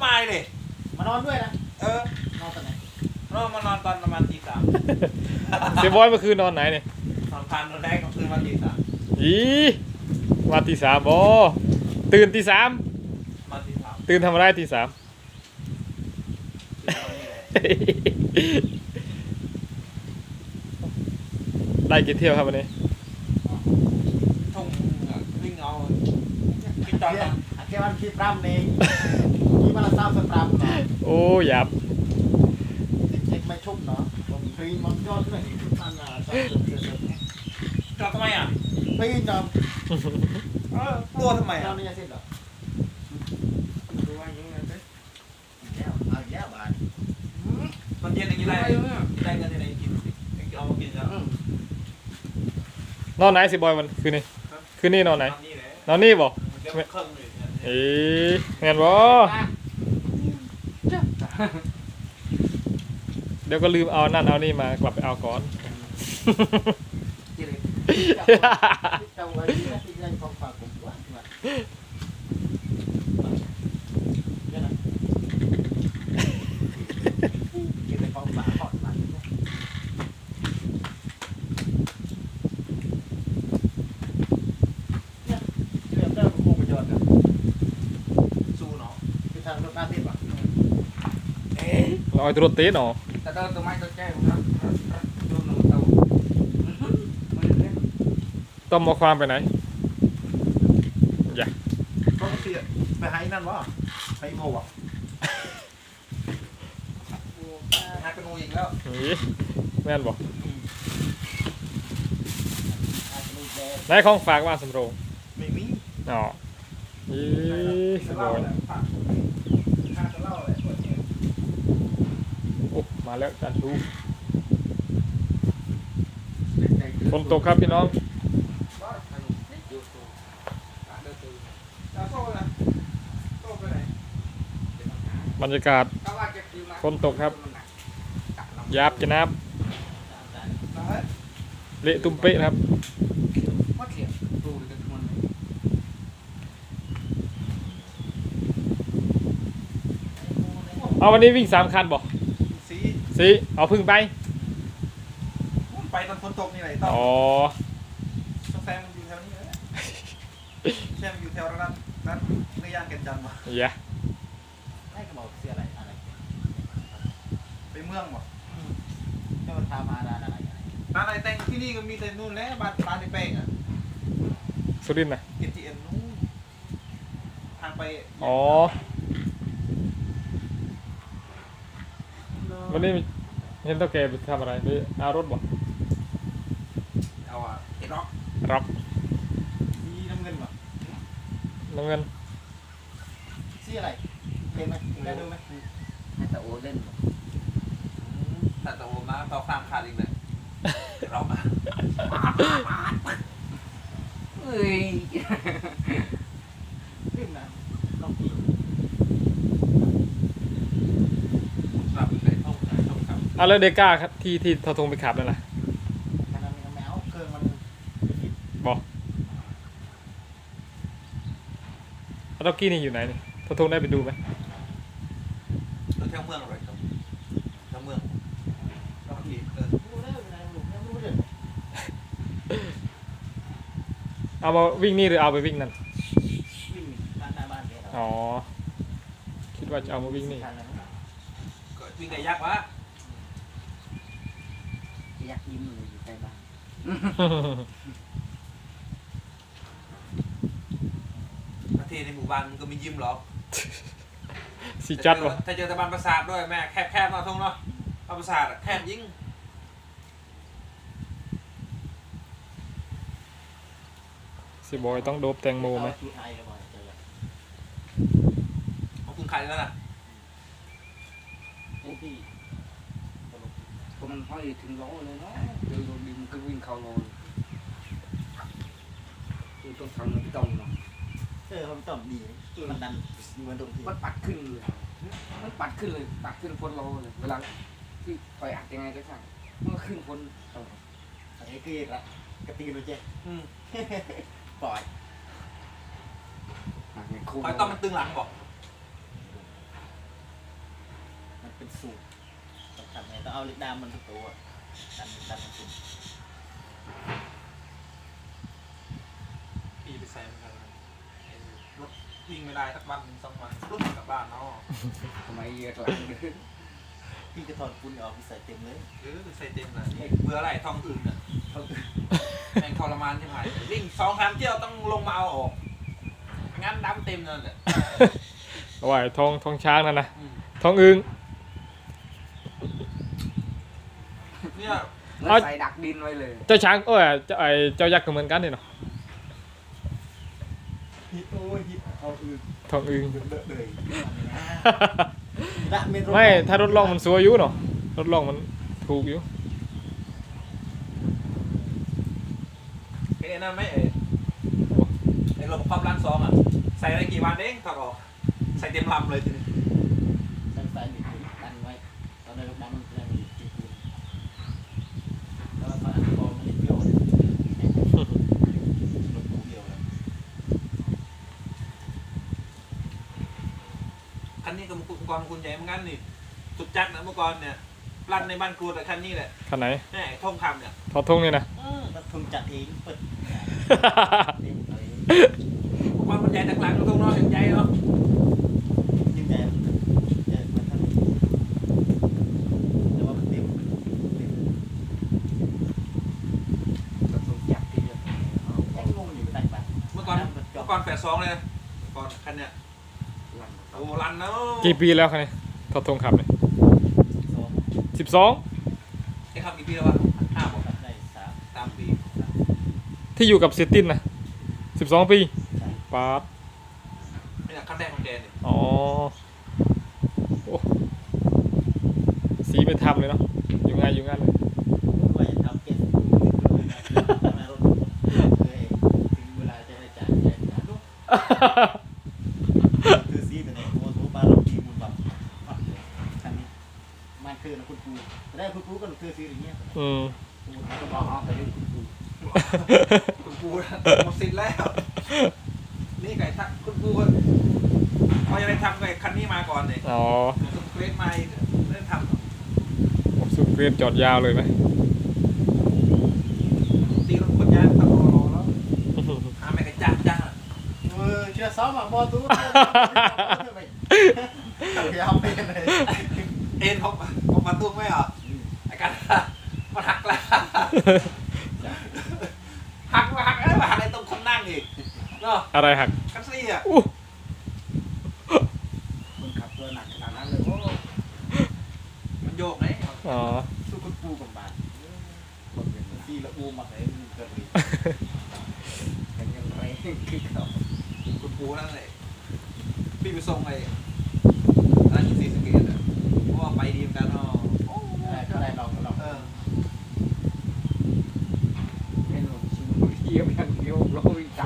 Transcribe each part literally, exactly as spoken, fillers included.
มาเลยมานอนด้วยนะเออนอนตอนไหนนอนมานอนตอนประมาณตีสามเสียบอยเมื่อคืนนอนไหนเนี่ยนอนพันนอนแรกก็คืนวันตีสามอีมาตีสามบอตื่นตีสามมาตีสามตื่นทำอะไรตีสามได้กี่เที่ยวครับวันนี้ทุ่งวิ่งเอากินตอนแค่วันที่ปรำเองนี่มันละเศร้าสปรำเนาะโอ้หยับเช็คไม่ชุ่มเนาะผมปีนมันยอดเลยตั้งงานจอดทำไมอ่ะปีนจอมเออตัวทำไมอ่ะเราเนี่ยเสร็จหรอดูว่ายังไงไปแล้วเอาแย่บ้านตอนเย็นอย่างนี้ได้ได้เงินยังไงกินเอามากินแล้วนอนไหนสิบอยวันคืนนี้คืนนี้นอนไหนนอนนี่บ่เอ๊ะเงินบ่เดี๋ยวก็ลืมเอานั่นเอานี่มากลับไปเอาก่อนลอยตัวเต้นหรอแต่เดินตัวไม้ตัวแก้วนะดูหนูเต่าต้มมาความไปไหนอย่าก็เสียไปให้นั่นวะให้โม่อะหายเป็นงูอีกแล้วนี่แม่นบอกไหนของฝากว่าสำโรงไม่มีอ๋อยี่สบายโอ้มาแล้วจานชูฝนตกครับพี่น้องบรรยากาศฝนตกครับยาบจะนับเละตุ้มเป๊ะครับเอาวันนี้วิ่งสามคันบอกสีสีเอาพึ่งไปไปตอนฝนตกนี่ไหนต้องอ๋อแซมมันอยู่แถวนี้เลยแซมอยู่แถวนั้นนั้นในย่านแก่นจันทร์มาอย่าให้กระบอกเสียอะไรอะไรไปเมืองหมดจะมาทำมาร้านอะไรร้านอะไรแต่งที่นี่ก็มีแต่นู่นแหละบ้านร้านในแป้งอ่ะสุรินทร์นะเอทีเอ็มนู่นทางไปอ๋อวันนี้เห็นตัวแกไปทำอะไรไปเอารถบ่เอาอะเอ็ดร็อกร็อกมีน้ำเงินบ่น้ำเงินซี่อะไรเห็นไหมได้ดูไหมให้ตะโอเล่นแต่ตะโอมาเขาข้ามขาดอีกเลยร็อกเฮ้ยขึ้นนะลองกินเอาแล้วเดก้าครับที่ที่ทอทงไปขับนั่นแหละแมวเครื่องมันบอกแล้วด็อกกี้นี่อยู่ไหนนี่ทอทงได้ไปดูไหมตัวแถวเมืองอะไรครับแถวเมืองด็อกกี้เออเอามาวิ่งนี่หรือเอาไปวิ่งนั่นวิ่งบ้านหน้าบ้านอ๋อคิดว่าจะเอามาวิ่งนี่วิ่งไก่ยักษ์วะยักษ์ยิ้มเลยอยู่ใกล้บ้านประเทศในหมู่บ้านมันก็มียิ้มหรอกสีจัดวะถ้าเจอตะบันประสาทด้วยแม่แคบแคบมาทงเนาะเอาประสาทแคบยิ่งสิบอยต้องโดบแตงโมไหมเอาคุณขายแล้วนะก็มันห้อยถึงล้อเลยเนาะเดี๋ยวดินก็วิ่งเข้าล้อคือต้องทำมันต้องเนาะเออมันต้องดีมันดันมันตรงที่มันปัดขึ้นเลยมันปัดขึ้นเลยปัดขึ้นพ้นล้อเลยเวลาที่ปล่อยอัดยังไงก็ช่างมันก็ขึ้นพ้นไอ้กี้ละกระตีนเลยเจ๊ปล่อยปล่อยต้องมันตึงหลังบอกเป็นสูตรสำคัญไงต้องเอาเหล็กดามมันทุกตัวดันดันมันขึ้นปีไปใส่เหมือนกันรถวิ่งไม่ได้สักวันหนึ่งสองวันรถกลับบ้านเนาะทำไมเยอะหลังพี่ก็ถอดปุ้นออกพี่ใส่เต็มเลยเออใส่เต็มเลยเบื่ออะไรทองอื่นอ่ะแม่งทรมานใช่ไหมวิ่งสองครั้งเที่ยวต้องลงมาเอาออกงั้นดำเต็มเลยเนี่ยเอาไว้ทองทองช้างนั่นนะทองอึงเนี่ยแล้วใส่ดักดินไว้เลยเจ้าช้างโอ้ยเจ้าไอเจ้ายักษ์ก็เหมือนกันนี่เนาะฮิตโอ้ยฮิตเอาอื่นทองอึงเลอะเลยละเมตรไม่ถ้ารถล่องมันสวยอยู่เนาะรถล่องมันถูกอยู่ไอ้นั่นไม่เอ๋ไอ้ระบบความร้านซองอ่ะใส่ได้กี่วันเองถอดออกใส่เต็มลำเลยทีนี้ตั้งสายหนีตั้งไว้ตอนนี้ลูกน้ำมันแรงมันจีบแล้วมันอัดคอมันเปรี้ยวเลยรถกูเดียวเลยคันนี้กับอุปกรณ์คุณใหญ่เหมือนกันนี่สุดจัดนะเมื่อก่อนเนี่ยรันในบ้านครูแต่คันนี้แหละคันไหนแม่ท่องคำเนี่ยทอดทงนี่นะรถทุนจัดเองเปิดเองเลยอุปกรณ์คุณใหญ่ต่างหลังตรงนอกอย่างใหญ่เนาะยิ่งใหญ่ใหญ่เหมือนท่านแต่ว่ามันเต็มเต็มก็ต้องจับที่เดียวยังงงอยู่ได้ปะเมื่อก่อนเมื่อก่อนแฝดสองเลยก่อนคันเนี่ยหลังโอ้รันเนาะกี่ปีแล้วคันนี้ทอดทงขับเนี่ยสองสิบสองไอ้ขับกี่ปีแล้ววะห้าบอกได้สามสามปีที่อยู่กับเซตินนะสิบสองปีใช่ปาดนี่แหละคันแรกของแกเนี่ยอ๋อโอ้สีไปทำเลยเนาะอยู่ง่ายอยู่ง่ายเลยว่าจะทำเก็บทำไมรถเลยถึงเวลาจะได้จ่ายจ่ายจ่ายลูกคือซีเป็นไงโอ้โหปลาเราดีมันแบบคันนี้มันคือนะคุณครูได้คุณครูก็คือซีอย่างเงี้ยอืมก็บอกเอาไปดูคุณครูหมดสิทธิ์แล้ว นี่ไก่ทักคุณครูก็เขาจะได้ทำไก่คันนี้มาก่อนเนี่ยอ๋อสุดเกรดมาอีกได้ทสุดเกรียนจอดยาวเลยไหมำตีรถคนยากตะโกนรอแล้วหาแม่กระจ้างจ้างเออเชื่อซ้อมอ่ะบอลตู้ไปเอาไปเลยเอ็นเขาเขามาตุ้งไม่เหรอไอ้กันมันหักแล้วหักมาหักไอ้มาหักในตรงคนนั่งอีกเนาะอะไรหักกันซี่อ่ะอู้คนขับตัวหนักขนาดนั้นเลยโอ้มันโยกไหมอ๋อสู้คุณครูกับบาทคนเป็นซีละอูมาไหนมันเกิดเลยกันยังไงคือเขาคุณครูนั่นเลยพี่ไปส่งไอ้ร้านยินซีสเกตอ่ะเพราะว่าไปดีเหมือนกันเนาะโอ้ก็ได้ลองก็ลองเออเป็นหลงชิงเทียบอย่างเดียวเราวิ่งตาม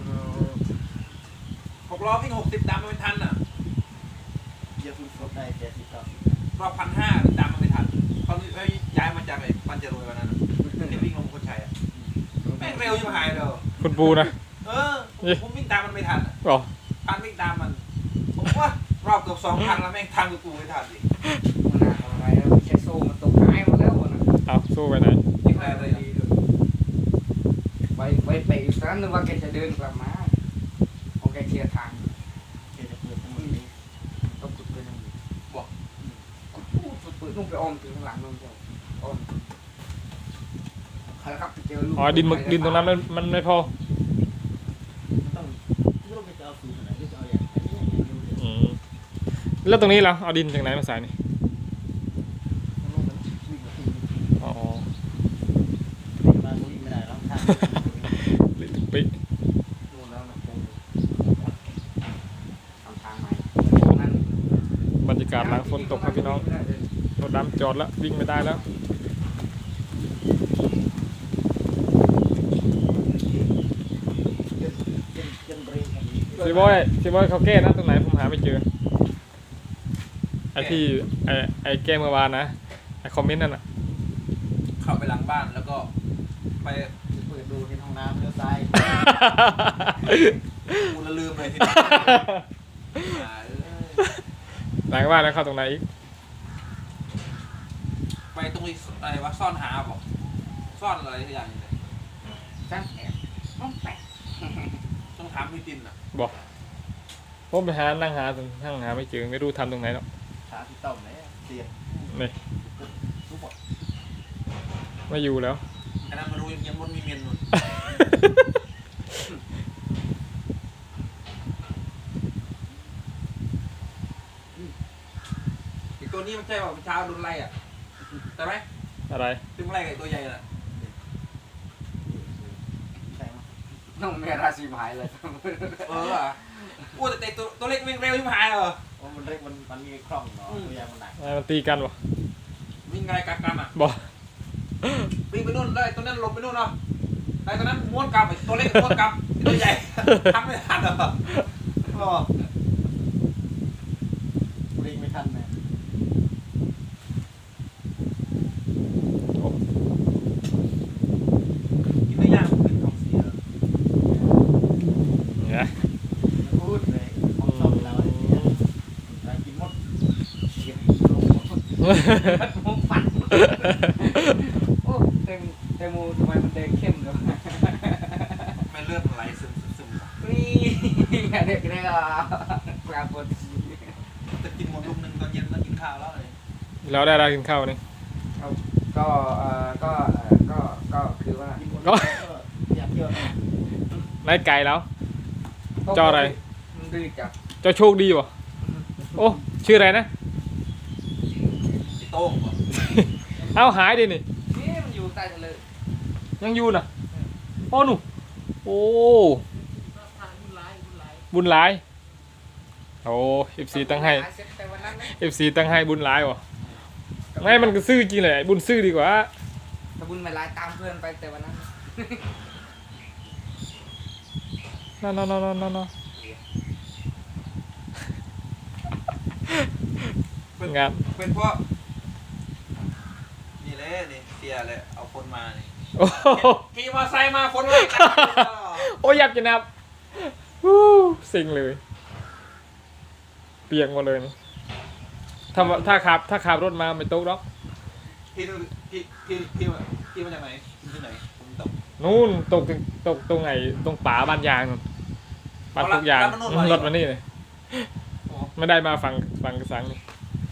หกล้อวิ่งหกสิบดำมันไม่ทันอ่ะเยอะคุณครบได้เจ็ดสิบเก้ารอบพันห้าดำมันไม่ทันเขาย้ายมาจากไอ้ปันจะรวยวันนั้นที่วิ่งลงคนชัยอ่ะแม่งเร็วยิ่งหายเลยคุณปูนะเออผมวิ่งตามมันไม่ทันอ๋อพันวิ่งตามมันผมว่ารอบเกือบสองพันแล้วแม่งทางกูไม่ทันดิมันหนักอะไรแล้วใช้โซ่มันตกหายหมดแล้วนะเอาสู้ไปไหนยิ่งได้เลยดีด้วยไปไปไปอีกครั้งนึกว่าแกจะเดินกลับมาพอแกเคลียร์ทางเจ็ดจะเปิดทั้งหมดนี้ก็ขุดไปนั่งบอกขุดพูดขุดปืนนุ่งไปอ้อมถึงข้างหลังนุ่งเจ้าอ้อมใครครับไปเจอลูกอ๋อดินหมึกดินตรงนั้นมันมันไม่พอต้องลูกจะเอาสูตรไหนก็จะเอาอย่างนี้อย่างนี้ดูเลยอืมแล้วตรงนี้เราเอาดินจากไหนมาใส่นี่ลูกมันวิ่งมาที่อ๋อมาวิ่งไม่ได้แล้วทางลิปินู่นแล้วนะปูทำทางใหม่นั้นบรรยากาศหลังฝนตกครับพี่น้องรถดำจอดแล้ววิ่งไม่ได้แล้วซีบอยซีบอยเขาแก้นะตรงไหนผมหาไม่เจอไอที่ไอไอแก้เมื่อวานนะไอคอมเมนต์นั่นน่ะเข้าไปหลังบ้านแล้วก็ไปเปิดดูที่ห้องน้ำเลี้ยวซ้ายกูละลืมเลยทีนี้หลังบ้านแล้วเข้าตรงไหนอีกตรงนี้อะไรวะซ่อนหาบอกซ่อนอะไรทุกอย่างเลยช่างแอบต้องแปะต้องถามพี่ตินอ่ะบอกผมไปหานั่งหานั่งหาไม่เจอไม่รู้ทำตรงไหนหรอกขาพี่ต้อมเลยเสียบนี่ทุกหมดไม่อยู่แล้วอันนั้นมารู้ยังมันมีเมียนนู่นไอตัวนี้มันใช่ป่ะเช้าโดนไล่อ่ะใช่ไหมอะไรตึงไล่กับตัวใหญ่น่ะใช่ไหมน้องเมราสีหายเลยเอออ่ะอู้แต่ตัวตัวเล็กวิ่งเร็วยิ่งหายเหรอโอ้มันเล็กมันมันมีคล่องเนาะตัวใหญ่มันหนักอะไรมันตีกันวะวิ่งไงกักกันอ่ะบอกวิ่งไปนู่นเลยตัวนั้นหลบไปนู่นเนาะไอ้ตัวนั้นม้วนกลับไอ้ตัวเล็กม้วนกลับไอ้ตัวใหญ่ ทำไม่ทันเหรอรอเล็กไม่ทันนะกินได้ยากเป็นท้องเสียเนี่ยพูดเลยของต้มเราเนี่ยเรากินหมดเสียบลงหมดมุกฝันโอ้เต็มเต็มมูทำไมมันแดงเข้มเลยวะไม่เลือดไหลซึมซึมซึมนี่เด็กเด็กอ่ะปลาปนจะกินหมดลูกหนึ่งตอนเย็นแล้วกินข้าวแล้วเลยแล้วได้ได้กินข้าวนี่ก็เอ่อก็เอ่อก็ก็คือว่ากินหมดอยากเยอะนายไก่แล้ว เจ้าอะไรมันดื้อจับเจ้าโชคดีวะโอ้ชื่ออะไรนะไอ้โต้งเหรอเอ้าหายดินี่นี่มันอยู่ใต้ทะเลยังอยู่น่ะโอ้หนูโอ้บุญหลายโอ้เอฟซีตั้งให้แต่วันนั้นนะเอฟซีตั้งให้บุญหลายวะไม่มันก็ซื่อจริงเลยบุญซื่อดีกว่าถ้าบุญไม่ไล่ตามเพื่อนไปแต่วันนั้นนอนนอนนอนนอนนอนเป็นงานเป็นเพราะนี่เลยนี่เสียเลยเอาคนมานี่โอ้โหขี่มอเตอร์ไซค์มาคนเลยโอ้ยยับจะนับวู้สิงเลย เปียกหมดเลยนี่ถ้าถ้าขับถ้าขับรถมาไม่ตกหรอกที่นู่นที่ที่ที่ที่มาจากไหนที่ไหนผมตกนู่นตกถึงตกตรงไหนตรงป่าบ้านยางนู่นบ้านทุกยางรถมานี่เลยไม่ได้มาฝั่งฝั่งกระสังนี่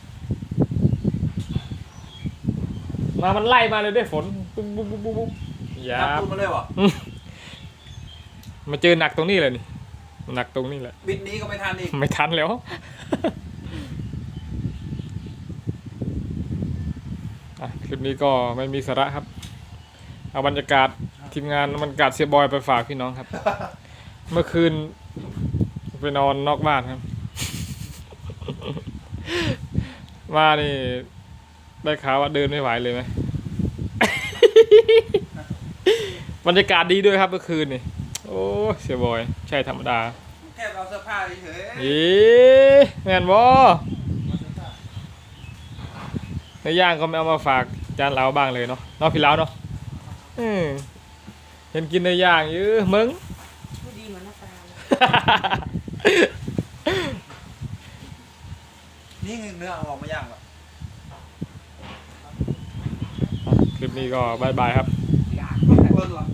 มามันไล่มาเลยด้วยฝนปุ๊บปุ๊บปุ๊บปุ๊บปุ๊บอย่าขับตูนมาเลยวะมาเจอหนักตรงนี้เลยนี่หนักตรงนี้แหละบิดนี้ก็ไม่ทันอีกไม่ทันแล้ว อ่ะคลิปนี้ก็ไม่มีสาระครับ เอาบรรยากาศทีมงานบรรยากาศเสียบอยไปฝากพี่น้องครับ เมื่อคืนไปนอนนอกบ้านครับ มานี่ได้ข่าวว่าเดินไม่ไหวเลยไหม บรรยากาศดีด้วยครับเมื่อคืนนี่โอ้เสียบอยใช่ธรรมดาแค่เอาเสื้อผ้าเฉยอีแม่นบ่ในย่างก็ไม่เอามาฝากจานเราบ้างเลยเนาะเนาะพี่เล้าเนาะอืมเห็นกินในย่างเยอะมึงพูดดีเหมือนน้าตาเลยนี่เนื้อเอาออกมาย่างวะคลิปนี้ก็บายบายครับอยากเบิ้ลเหรอ